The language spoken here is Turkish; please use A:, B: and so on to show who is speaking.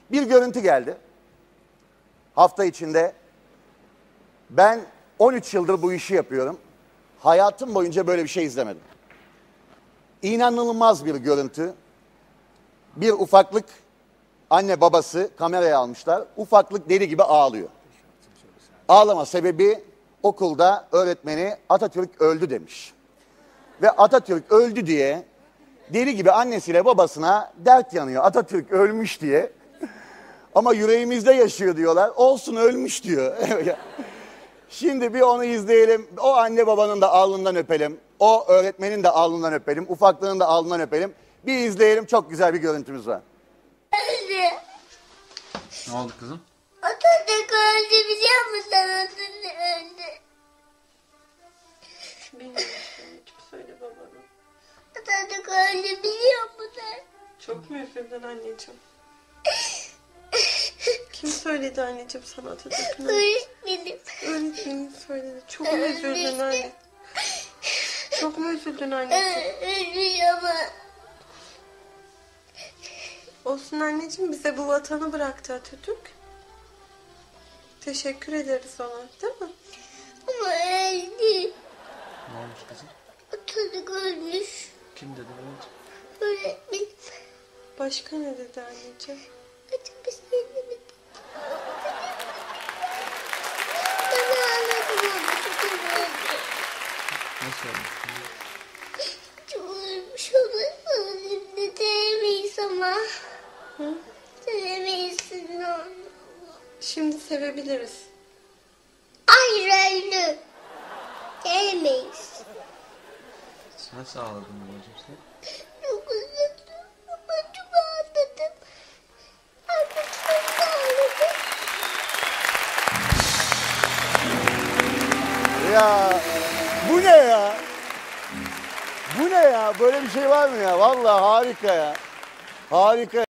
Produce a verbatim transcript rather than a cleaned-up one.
A: Bir görüntü geldi. Hafta içinde. Ben on üç yıldır bu işi yapıyorum. Hayatım boyunca böyle bir şey izlemedim. İnanılmaz bir görüntü. Bir ufaklık, anne babası kameraya almışlar. Ufaklık deli gibi ağlıyor. Ağlama sebebi okulda öğretmeni Atatürk öldü demiş. Ve Atatürk öldü diye deli gibi annesiyle babasına dert yanıyor. Atatürk ölmüş diye. Ama yüreğimizde yaşıyor diyorlar. Olsun ölmüş diyor. Şimdi bir onu izleyelim. O anne babanın da alnından öpelim. O öğretmenin de alnından öpelim. Ufaklığın da alnından öpelim. Bir izleyelim. Çok güzel bir görüntümüz var.
B: Öldü.
C: Ne oldu kızım?
B: Atatürk öldü biliyor musun? Atatürk öldü.
D: Bilmiyorum. Kim söyle babana?
B: Atatürk öldü biliyor musun?
D: Çok mu üzüldün anneciğim? Kim söyledi anneciğim sana Atatürk'ün?
B: Öğretmenim.
D: Öğretmenim söyledi. Çok mu üzüldün anne? Çok mu üzüldün anneciğim?
B: Ölmüş ama.
D: Olsun anneciğim, bize bu vatanı bıraktı Atatürk. Teşekkür ederiz ona, değil mi?
B: Ama öldü.
C: Ne olmuş kızım?
B: Atatürk ölmüş.
C: Kim dedi anneciğim?
B: Öğretmenim.
D: Başka ne dedi anneciğim?
B: Açık bir şey demedi. Ben ağladım ama Atatürk öldü.
C: Nasıl olmuş kızım?
B: Çok ölmüş ama öldüğünde sevemeyiz ama.
D: Hı?
B: Sevemeyiz onu.
D: Şimdi sevebiliriz.
B: Hayır öldü. Sevemeyiz.
C: Nasıl ağladın babacığım sen?
B: Çok üzüldüm ama çok ağladım. Artık çok ağladım.
A: Ya bu ne ya? Bu ne ya? Böyle bir şey var mı ya? Vallahi harika ya. Harika.